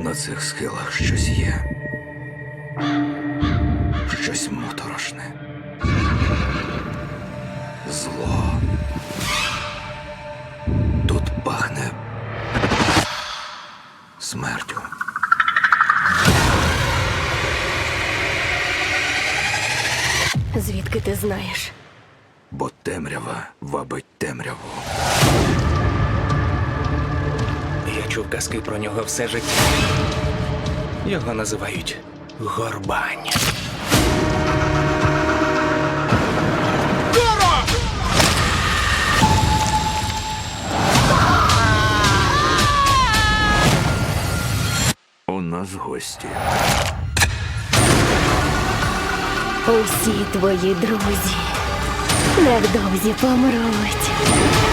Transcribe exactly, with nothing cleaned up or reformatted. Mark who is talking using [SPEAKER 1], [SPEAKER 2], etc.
[SPEAKER 1] На цих схилах щось є. Щось моторошне. Зло. Тут пахне смертю.
[SPEAKER 2] Звідки ти знаєш?
[SPEAKER 1] Бо темрява вабить темряву.
[SPEAKER 3] Я чув казки про нього все життя. Його називають Горбань.
[SPEAKER 1] У нас гості.
[SPEAKER 2] Усі твої друзі невдовзі помруть.